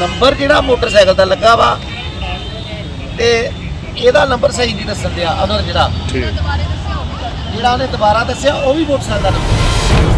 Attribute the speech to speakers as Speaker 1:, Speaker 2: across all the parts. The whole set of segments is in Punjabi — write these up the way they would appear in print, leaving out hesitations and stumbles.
Speaker 1: ਨੰਬਰ ਜਿਹੜਾ ਮੋਟਰਸਾਈਕਲ ਦਾ ਲੱਗਾ ਵਾ ਤੇ ਇਹਦਾ ਨੰਬਰ ਸਹੀ ਨਹੀਂ ਦੱਸਣ ਦਿਆ। ਅਗਰ ਜਿਹੜਾ ਉਹਨੇ ਦੁਬਾਰਾ ਦੱਸਿਆ ਉਹ ਵੀ ਮੋਟਰਸਾਈਕਲ ਦਾ ਨੰਬਰ।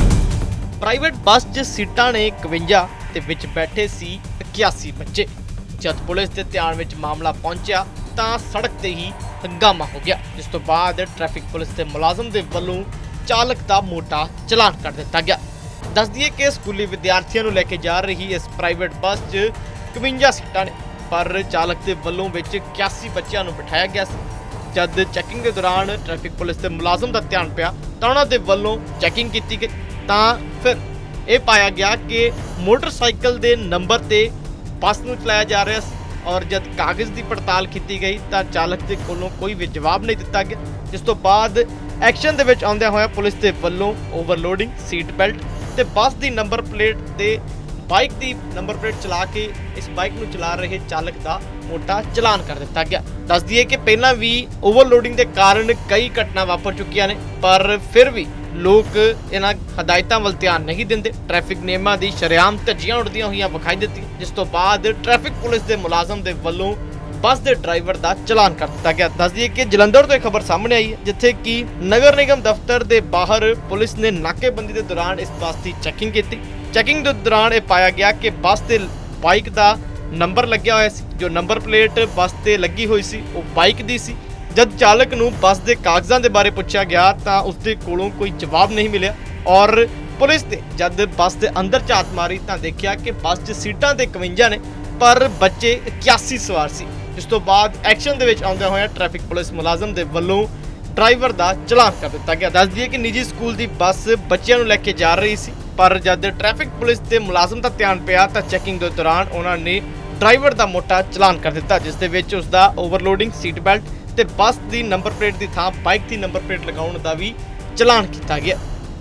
Speaker 2: ਪ੍ਰਾਈਵੇਟ ਬੱਸ 'ਚ ਸੀਟਾਂ ਨੇ 51 ਤੇ ਵਿੱਚ ਬੈਠੇ ਸੀ 81 ਬੱਚੇ। ਜਦ ਪੁਲਿਸ ਦੇ ਧਿਆਨ ਵਿੱਚ ਮਾਮਲਾ ਪਹੁੰਚਿਆ ਤਾਂ ਸੜਕ ਤੇ ਹੀ ਹੰਗਾਮਾ ਹੋ ਗਿਆ, ਜਿਸ ਤੋਂ ਬਾਅਦ ਟ੍ਰੈਫਿਕ ਪੁਲਿਸ ਦੇ ਮੁਲਾਜ਼ਮ ਦੇ ਵੱਲੋਂ ਚਾਲਕ ਦਾ ਮੋਟਾ ਚਲਾਨ ਕਰ ਦਿੱਤਾ ਗਿਆ। ਦੱਸ ਦਈਏ ਕਿ ਸਕੂਲੀ ਵਿਦਿਆਰਥੀਆਂ ਨੂੰ ਲੈ ਕੇ ਜਾ ਰਹੀ ਇਸ ਪ੍ਰਾਈਵੇਟ ਬੱਸ 'ਚ 51 ਸੀਟਾਂ ਨੇ, ਪਰ ਚਾਲਕ ਦੇ ਵੱਲੋਂ ਵਿੱਚ 81 ਬੱਚਿਆਂ ਨੂੰ ਬਿਠਾਇਆ ਗਿਆ ਸੀ। ਜਦ ਚੈਕਿੰਗ ਦੇ ਦੌਰਾਨ ਟ੍ਰੈਫਿਕ ਪੁਲਿਸ ਦੇ ਮੁਲਾਜ਼ਮ ਦਾ ਧਿਆਨ ਪਿਆ ਤਾਂ ਉਹਨਾਂ ਦੇ ਵੱਲੋਂ ਚੈਕਿੰਗ ਕੀਤੀ ਗਈ ਤਾਂ ਫਿਰ ਇਹ ਪਾਇਆ ਗਿਆ ਕਿ ਮੋਟਰਸਾਈਕਲ ਦੇ ਨੰਬਰ ਤੇ ਬੱਸ ਨੂੰ ਚਲਾਇਆ ਜਾ ਰਿਹਾ ਸੀ। ਔਰ ਜਦ ਕਾਗਜ਼ ਦੀ ਪੜਤਾਲ ਕੀਤੀ ਗਈ ਤਾਂ ਚਾਲਕ ਦੇ ਕੋਲੋਂ ਕੋਈ ਵੀ ਜਵਾਬ ਨਹੀਂ ਦਿੱਤਾ ਗਿਆ, ਜਿਸ ਤੋਂ ਬਾਅਦ ਐਕਸ਼ਨ ਦੇ ਵਿੱਚ ਆਉਂਦਿਆਂ ਹੋਇਆ ਪੁਲਿਸ ਦੇ ਵੱਲੋਂ ਓਵਰਲੋਡਿੰਗ, ਸੀਟ ਬੈਲਟ ਤੇ ਬੱਸ ਦੀ ਨੰਬਰ ਪਲੇਟ ਤੇ ਬਾਈਕ ਦੀ ਨੰਬਰ ਪਲੇਟ ਚਲਾ ਕੇ ਇਸ ਬਾਈਕ ਨੂੰ ਚਲਾ ਰਹੇ ਚਾਲਕ ਦਾ ਮੋਟਾ ਚਲਾਨ ਕਰ ਦਿੱਤਾ ਗਿਆ। ਦੱਸ ਦਈਏ ਕਿ ਪਹਿਲਾਂ ਵੀ ਓਵਰਲੋਡਿੰਗ ਦੇ ਕਾਰਨ ਕਈ ਘਟਨਾ ਵਾਪਰ ਚੁੱਕੀਆਂ ਨੇ, ਪਰ ਫਿਰ ਵੀ ਲੋਕ ਇਹਨਾਂ ਹਦਾਇਤਾਂ ਵੱਲ ਧਿਆਨ ਨਹੀਂ ਦਿੰਦੇ। ਟ੍ਰੈਫਿਕ ਨਿਯਮਾਂ ਦੀ ਸ਼ਰੇਆਮ ਧੱਜੀਆਂ ਉੱਡਦੀਆਂ ਹੋਈਆਂ ਵਿਖਾਈ ਦਿੱਤੀਆਂ, ਜਿਸ ਤੋਂ ਬਾਅਦ ਟ੍ਰੈਫਿਕ ਪੁਲਿਸ ਦੇ ਮੁਲਾਜ਼ਮ ਦੇ ਵੱਲੋਂ ਬੱਸ ਦੇ ਡਰਾਈਵਰ ਦਾ ਚਲਾਨ ਕਰ ਦਿੱਤਾ ਗਿਆ। ਦੱਸ ਦਈਏ ਕਿ ਜਲੰਧਰ ਤੋਂ ਇਹ ਖਬਰ ਸਾਹਮਣੇ ਆਈ ਹੈ, ਜਿੱਥੇ ਕਿ ਨਗਰ ਨਿਗਮ ਦਫ਼ਤਰ ਦੇ ਬਾਹਰ ਪੁਲਿਸ ਨੇ ਨਾਕੇਬੰਦੀ ਦੇ ਦੌਰਾਨ ਇਸ ਬੱਸ ਦੀ ਚੈਕਿੰਗ ਕੀਤੀ। ਚੈਕਿੰਗ ਦੇ ਦੌਰਾਨ ਇਹ ਪਾਇਆ ਗਿਆ ਕਿ ਬੱਸ ਤੇ ਬਾਈਕ ਦਾ ਨੰਬਰ ਲੱਗਿਆ ਹੋਇਆ ਸੀ, ਜੋ ਨੰਬਰ ਪਲੇਟ ਬੱਸ ਤੇ ਲੱਗੀ ਹੋਈ ਸੀ ਉਹ ਬਾਈਕ ਦੀ ਸੀ। ਜਦ ਚਾਲਕ ਨੂੰ ਬੱਸ ਦੇ ਕਾਗਜ਼ਾਂ ਦੇ ਬਾਰੇ ਪੁੱਛਿਆ ਗਿਆ ਤਾਂ ਉਸਦੇ ਕੋਲੋਂ ਕੋਈ ਜਵਾਬ ਨਹੀਂ ਮਿਲਿਆ ਔਰ ਪੁਲਿਸ ਨੇ ਜਦ ਬੱਸ ਦੇ ਅੰਦਰ ਝਾਤ ਮਾਰੀ ਤਾਂ ਦੇਖਿਆ ਕਿ ਬੱਸ 'ਚ ਸੀਟਾਂ ਤੇ 51 ਨੇ ਪਰ ਬੱਚੇ 81 ਸਵਾਰ ਸੀ। ਇਸ ਤੋਂ ਬਾਅਦ ਐਕਸ਼ਨ ਦੇ ਵਿੱਚ ਆਉਂਦਿਆਂ ਹੋਇਆ ਟ੍ਰੈਫਿਕ ਪੁਲਿਸ ਮੁਲਾਜ਼ਮ ਦੇ ਵੱਲੋਂ ਡਰਾਈਵਰ ਦਾ ਚਲਾਨ ਕਰ ਦਿੱਤਾ ਗਿਆ। ਦੱਸ ਦਈਏ ਕਿ ਨਿੱਜੀ ਸਕੂਲ ਦੀ ਬੱਸ ਬੱਚਿਆਂ ਨੂੰ ਲੈ ਕੇ ਜਾ ਰਹੀ ਸੀ, ਪਰ ਜਦ ਟ੍ਰੈਫਿਕ ਪੁਲਿਸ ਦੇ ਮੁਲਾਜ਼ਮ ਦਾ ਧਿਆਨ ਪਿਆ ਤਾਂ ਚੈਕਿੰਗ ਦੇ ਦੌਰਾਨ ਉਹਨਾਂ ਨੇ ਡਰਾਈਵਰ ਦਾ ਮੋਟਾ ਚਲਾਨ ਕਰ ਦਿੱਤਾ, ਜਿਸ ਦੇ ਵਿੱਚ ਉਸ ਦਾ ਓਵਰਲੋਡਿੰਗ, ਸੀਟ ਬੈਲਟ ਤੇ ਬੱਸ ਦੀ ਨੰਬਰ ਪਲੇਟ ਦੀ ਥਾਂ ਬਾਈਕ ਦੀ ਨੰਬਰ ਪਲੇਟ ਲਗਾਉਣ ਦਾ ਵੀ ਚਲਾਨ ਕੀਤਾ ਗਿਆ।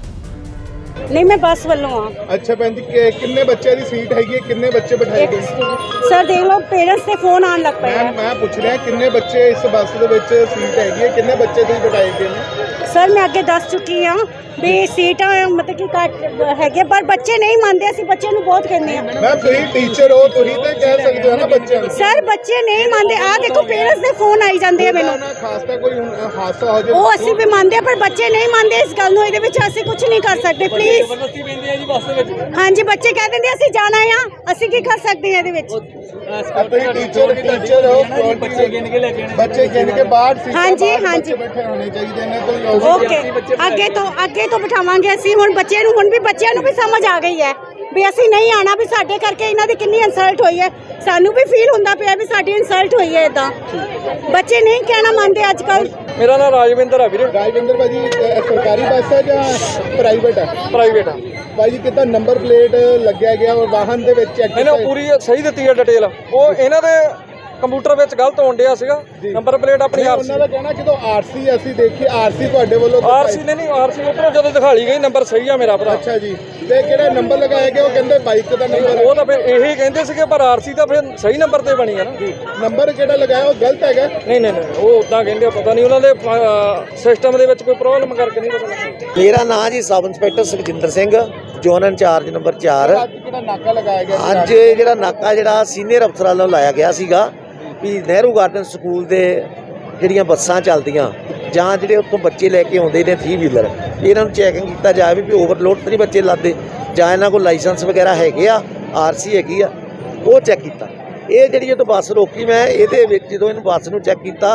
Speaker 3: नहीं मैं बस वालों हाँ।
Speaker 4: अच्छा भैन जी किन्ने बच्चे दी सीट हैगी, किन्ने बच्चे बिठाए गए?
Speaker 3: सर देख लो पेरेंट्स से फोन आने लग पे
Speaker 4: मैं पूछ रहा किन्ने बच्चे इस बस दे विच सीट हैगी है, किन्ने बच्चे तुसीं बिठाए गए ने?
Speaker 3: सर मैं अगे दस चुकी हाँ भी सीटा मतलब कि घट हैगे पर बच्चे नहीं मानते, असं बच्चे ਨੂੰ बहुत कहने हैं।
Speaker 4: मैम तुसीं टीचर हो, तुसीं ते कह सकते हो ना बच्चों ਨੂੰ।
Speaker 3: सर बच्चे नहीं मानते, आ देखो पेरेंट्स ਦੇ ਫੋਨ ਆਈ ਜਾਂਦੇ ਆ ਮੈਨੂੰ।
Speaker 4: ਖਾਸ ਤਾਂ ਕੋਈ ਹਾਦਸਾ ਹੋ ਜਾਏ
Speaker 3: ਉਹ ਅਸੀਂ ਵੀ ਮੰਨਦੇ ਆ ਪਰ ਬੱਚੇ ਨਹੀਂ ਮੰਨਦੇ ਇਸ ਗੱਲ ਨੂੰ, ਇਹਦੇ ਵਿੱਚ ਅਸੀਂ ਕੁਝ ਨਹੀਂ ਕਰ ਸਕਦੇ ਪਲੀਜ਼।
Speaker 5: ਜ਼ਬਰਦਸਤੀ ਪੈਂਦੀ ਹੈ ਜੀ ਬੱਸ ਦੇ ਵਿੱਚ।
Speaker 3: ਹਾਂਜੀ ਬੱਚੇ ਕਹਿ ਦਿੰਦੇ ਅਸੀਂ ਜਾਣਾ ਆ, ਅਸੀਂ ਕੀ ਕਰ ਸਕਦੇ ਹਾਂ ਇਹਦੇ ਵਿੱਚ।
Speaker 4: ਤੁਸੀਂ ਟੀਚਰ ਹੋ,
Speaker 5: ਬੱਚੇ ਗਿਣ ਕੇ ਲੈ ਕੇ ਆਣੇ,
Speaker 4: ਬੱਚੇ ਗਿਣ ਕੇ ਬਾਹਰ ਸੀਟਾਂ
Speaker 3: ਹਾਂਜੀ,
Speaker 4: ਬਾਹਰ
Speaker 3: ਹਾਂਜੀ।
Speaker 4: ਬੈਠੇ ਹੋਣੇ ਚਾਹੀਦੇ ਨੇ। ਕੋਈ
Speaker 3: ਓਕੇ ਅੱਗੇ ਤੋਂ ਬਿਠਾਵਾਂਗੇ ਅਸੀਂ। ਹੁਣ ਬੱਚੇ ਨੂੰ ਹੁਣ ਵੀ ਬੱਚਿਆਂ ਨੂੰ ਵੀ ਸਮਝ ਆ ਗਈ ਹੈ ਵੀ ਅਸੀਂ ਨਹੀਂ ਆਣਾ, ਵੀ ਸਾਡੇ ਕਰਕੇ ਇਹਨਾਂ ਦੀ ਕਿੰਨੀ ਇਨਸਲਟ ਹੋਈ ਹੈ। ਸਾਨੂੰ ਵੀ ਫੀਲ ਹੁੰਦਾ ਪਿਆ ਵੀ ਸਾਡੀ ਇਨਸਲਟ ਹੋਈ ਹੈ। ਇਦਾਂ ਬੱਚੇ ਨਹੀਂ ਕਹਿਣਾ ਮੰਨਦੇ ਅੱਜ ਕੱਲ।
Speaker 5: ਮੇਰਾ ਨਾਮ ਰਾਜਵਿੰਦਰ ਹੈ ਵੀਰੇ।
Speaker 4: ਰਾਜਵਿੰਦਰ ਭਾਜੀ ਸਰਕਾਰੀ ਬੱਸ ਹੈ ਜਾਂ ਪ੍ਰਾਈਵੇਟ ਹੈ?
Speaker 5: ਪ੍ਰਾਈਵੇਟ ਆ
Speaker 4: ਭਾਜੀ ਕਿੱਦਾਂ ਨੰਬਰ ਪਲੇਟ ਲੱਗਿਆ ਗਿਆ ਔਰ ਵਾਹਨ ਦੇ ਵਿੱਚ ਚੈੱਕ
Speaker 5: ਇਹਨੇ ਪੂਰੀ ਸਹੀ ਦਿੱਤੀ ਹੈ ਡਿਟੇਲ। ਉਹ ਇਹਨਾਂ ਦੇ ਕੰਪਿਊਟਰ ਵਿੱਚ ਗਲਤ ਹੋਣ ਡਿਆ ਸੀਗਾ, ਨੰਬਰ ਪਲੇਟ ਆਪਣੀ ਆਰਸੀ।
Speaker 4: ਉਹਨਾਂ ਦਾ ਕਹਿਣਾ ਜਦੋਂ ਆਰਸੀ ਅਸੀਂ ਦੇਖੀ, ਆਰਸੀ ਤੁਹਾਡੇ ਵੱਲੋਂ
Speaker 5: ਆਰਸੀ ਨਹੀਂ ਆਰਸੀ ਉੱਪਰੋਂ ਜਦੋਂ ਦਿਖਾਲੀ ਗਈ ਨੰਬਰ ਸਹੀ ਆ ਮੇਰਾ ਭਰਾ।
Speaker 4: ਅੱਛਾ ਜੀ, ਤੇ ਕਿਹੜਾ ਨੰਬਰ ਲਗਾਇਆ ਗਿਆ? ਉਹ ਕਹਿੰਦੇ ਬਾਈਕ ਦਾ ਨੰਬਰ।
Speaker 5: ਉਹ ਤਾਂ ਫਿਰ ਇਹੀ ਕਹਿੰਦੇ ਸੀਗੇ ਪਰ ਆਰਸੀ ਤਾਂ ਫਿਰ ਸਹੀ ਨੰਬਰ ਤੇ ਬਣੀ ਹੈ ਨਾ।
Speaker 4: ਨੰਬਰ ਕਿਹੜਾ ਲਗਾਇਆ ਉਹ ਗਲਤ ਹੈਗਾ?
Speaker 5: ਨਹੀਂ ਉਹ ਉਦਾਂ ਕਹਿੰਦੇ, ਪਤਾ ਨਹੀਂ ਉਹਨਾਂ ਦੇ ਸਿਸਟਮ ਦੇ ਵਿੱਚ ਕੋਈ ਪ੍ਰੋਬਲਮ ਕਰਕੇ ਨਹੀਂ ਪਤਾ।
Speaker 1: ਮੇਰਾ ਨਾਮ ਜੀ sub inspector Sukhjinder Singh, zone in-charge number 4।
Speaker 4: ਅੱਜ ਕਿਹੜਾ ਨਾਕਾ ਲਗਾਇਆ ਗਿਆ?
Speaker 1: ਅੱਜ ਜਿਹੜਾ ਨਾਕਾ ਜਿਹੜਾ ਸੀਨੀਅਰ ਅਫਸਰਾਂ ਵੱਲੋਂ ਲਾਇਆ ਗਿਆ ਸੀਗਾ ਵੀ ਨਹਿਰੂ ਗਾਰਡਨ ਸਕੂਲ ਦੇ ਜਿਹੜੀਆਂ ਬੱਸਾਂ ਚੱਲਦੀਆਂ ਜਾਂ ਜਿਹੜੇ ਉੱਥੋਂ ਬੱਚੇ ਲੈ ਕੇ ਆਉਂਦੇ ਨੇ 3 ਵੀਲਰ, ਇਹਨਾਂ ਨੂੰ ਚੈਕਿੰਗ ਕੀਤਾ ਜਾਵੇ ਵੀ ਓਵਰਲੋਡ ਤਾਂ ਨਹੀਂ ਬੱਚੇ ਲਾਦੇ, ਜਾਂ ਇਹਨਾਂ ਕੋਲ ਲਾਇਸੈਂਸ ਵਗੈਰਾ ਹੈਗੇ ਆ, ਆਰਸੀ ਹੈਗੀ ਆ, ਉਹ ਚੈੱਕ ਕੀਤਾ। ਇਹ ਜਿਹੜੀ ਜਦੋਂ ਬੱਸ ਰੋਕੀ ਮੈਂ ਇਹਦੇ ਵਿੱਚ ਜਦੋਂ ਇਹਨੂੰ ਬੱਸ ਨੂੰ ਚੈੱਕ ਕੀਤਾ,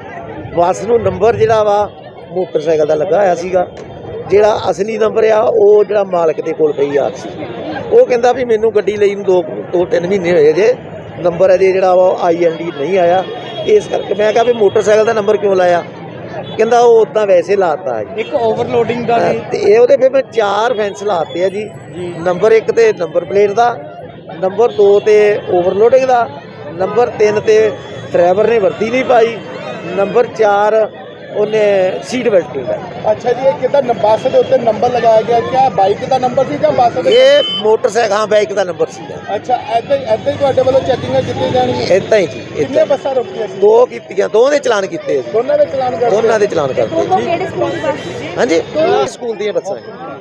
Speaker 1: ਬੱਸ ਨੂੰ ਨੰਬਰ ਜਿਹੜਾ ਵਾ ਮੋਟਰਸਾਈਕਲ ਦਾ ਲੱਗਾ ਹੋਇਆ ਸੀਗਾ, ਜਿਹੜਾ ਅਸਲੀ ਨੰਬਰ ਆ ਉਹ ਜਿਹੜਾ ਮਾਲਕ ਦੇ ਕੋਲ ਪਈ ਆਰਸੀ। ਉਹ ਕਹਿੰਦਾ ਵੀ ਮੈਨੂੰ ਗੱਡੀ ਲਈ ਨੂੰ 2-3 ਮਹੀਨੇ ਹੋਏ ਜੇ, ਨੰਬਰ ਅਜੇ ਜਿਹੜਾ ਵਾ IND ਨਹੀਂ ਆਇਆ, ਇਸ ਕਰਕੇ ਮੈਂ ਕਿਹਾ ਵੀ ਮੋਟਰਸਾਈਕਲ ਦਾ ਨੰਬਰ ਕਿਉਂ ਲਾਇਆ? ਕਹਿੰਦਾ ਉਹ ਉਦਾਂ ਵੈਸੇ ਲਾਤਾ ਹੈ।
Speaker 5: ਇੱਕ ਓਵਰਲੋਡਿੰਗ ਦਾ
Speaker 1: ਤੇ ਇਹ ਉਹਦੇ ਫਿਰ ਮੈਂ 4 ਫੈਂਸ ਲਾਤੇ ਆ ਜੀ। ਨੰਬਰ 1 ਤੇ ਨੰਬਰ ਪਲੇਟ ਦਾ, ਨੰਬਰ 2 ਤੇ ਓਵਰਲੋਡਿੰਗ ਦਾ, ਨੰਬਰ 3 ਤੇ ਡਰਾਈਵਰ ਨੇ ਵਰਦੀ ਨਹੀਂ ਪਾਈ, ਨੰਬਰ 4 ਉਹਨੇ ਸੀਟ ਬੈਲਟ ਨਹੀਂ ਲਾਈ।
Speaker 4: ਅੱਛਾ ਜੀ, ਇਹ ਕਿੱਦਾਂ ਬੱਸ ਦੇ ਉੱਤੇ ਨੰਬਰ ਲਗਾਇਆ ਗਿਆ? ਕਿਆ ਬਾਈਕ ਦਾ ਨੰਬਰ ਸੀ ਜਾਂ ਬੱਸ ਦੇ?
Speaker 1: ਇਹ ਮੋਟਰਸਾਈਕਲ, ਹਾਂ ਬਾਈਕ ਦਾ ਨੰਬਰ ਸੀਗਾ।
Speaker 4: ਅੱਛਾ, ਏਦਾਂ ਹੀ ਤੁਹਾਡੇ ਵੱਲੋਂ ਚੈਕਿੰਗ ਕੀਤੀ ਜਾਣੀ ਹੈ?
Speaker 1: ਇਦਾਂ ਹੀ ਜੀ,
Speaker 4: ਕਿੰਨੇ ਬੱਸਾਂ ਰੁਕੀਆਂ ਸੀ?
Speaker 1: 2 ਕੀਤੀਆਂ, 2 ਦੇ ਚਲਾਨ ਕੀਤੇ ਜੀ।
Speaker 4: ਦੋਨਾਂ ਦੇ ਚਲਾਨ ਕਰਦੇ?
Speaker 1: ਦੋਨਾਂ ਦੇ ਚਲਾਨ ਕਰਦੇ।
Speaker 3: ਕਿਹੜੇ ਸਕੂਲ ਦੀ ਬੱਸ?
Speaker 1: ਹਾਂਜੀ ਸਕੂਲ ਦੀਆਂ ਬੱਸਾਂ।